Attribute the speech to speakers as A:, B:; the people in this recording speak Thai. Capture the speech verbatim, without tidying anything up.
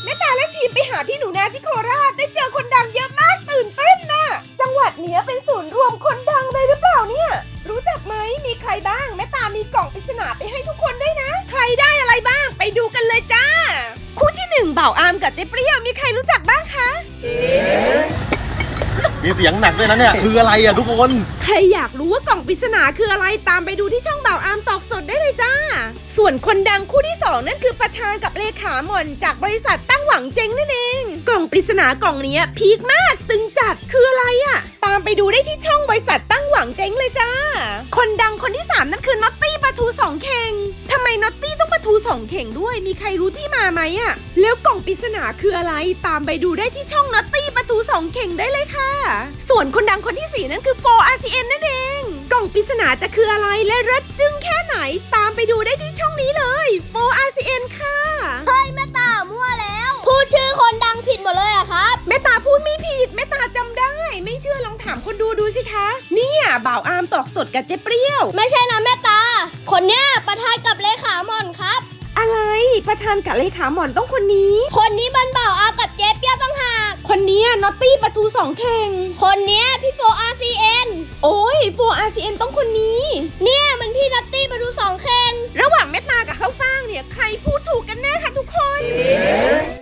A: แม่ตาและทีมไปหาพี่หนูนาที่โคราชได้เจอคนดังเยอะมากตื่นเต้นน่ะจังหวัดเนี้ยเป็นศูนย์รวมคนดังเลยหรือเปล่าเนี่ยรู้จักไหมมีใครบ้างแม่ตามีกล่องปริศนาไปให้ทุกคนด้วยนะใครได้อะไรบ้างไปดูกันเลยจ้าคู่ที่หนึ่งบ่าวอามกับเจ๊เปรี้ยวมีใครรู้จักบ้างคะ
B: มีเสียงหนักด้วยนะเนี่ยคืออะไรอะทุกคน
A: ใครอยากรู้ว่ากล่องปริศนาคืออะไรตามไปดูที่ช่องบ่าวอามตอกสดได้เลยจ้าส่วนคนดังคู่ที่สองนั่นคือประธานกับเลขาหม่อนจากบริษัทตั้งหวังเจ๊งนั่นเองกล่องปริศนากล่องนี้พีคมากตึงจัดคืออะไรอะตามไปดูได้ที่ช่องบริษัทตั้งหวังเจ๊งเลยจ้าคนดังคนที่สามนั่นคือน็อตตี้ปลาทูสองเข่งทำไมน็อตตี้ต้องปลาทูสองเข่งด้วยมีใครรู้ที่มาไหมอะแล้วกล่องปริศนาคืออะไรตามไปดูได้ที่ช่องน็อตตี้ปลาทูสองเข่งได้เลยค่ะส่วนคนดังคนที่สี่นั่นคือ โฟร์ อาร์ ซี เอ็น นั่นเองกล่องปริศนาจะคืออะไรและเลิศจึ้งแค่ไหนตามไปดูได้ที่ช่องนี้เลย โฟร์ อาร์ ซี เอ็น ค่ะ
C: เฮ้ยแม่ตามั่วแล้วพูดชื่อคนดังผิดหมดเลยอะครับ
A: แม่ตาพูดไม่ผิดแม่ตาจำได้ไม่เชื่อลองถามคนดูดูสิคะเนี่ยบ่าวอามตอกสดกับเจ๊เปรี้ยว
C: ไม่ใช่นะแม่ตา คนเนี้ยประธานกับเลขาหม่อนครับ
A: อะไรประธานกับเลขาหม่อนต้องคนนี้
C: คนนี้บันบ่าวอากับเจ๊เปียตั้งหาก
A: คนเนี้นอตตี้ปลาทูสองเข่ง
C: คนเนี้ยพี่โฟอาร์ซีเอ็น
A: โอ้ย โฟร์ อาร์ ซี เอ็น ต้องคนนี้
C: เนี่ยมันพี่นัตตี้มาดูสองเข่ง
A: ระหว่างแม่ตากับข้าวฟ่างเนี่ยใครพูดถูกกันแน่คะทุกคน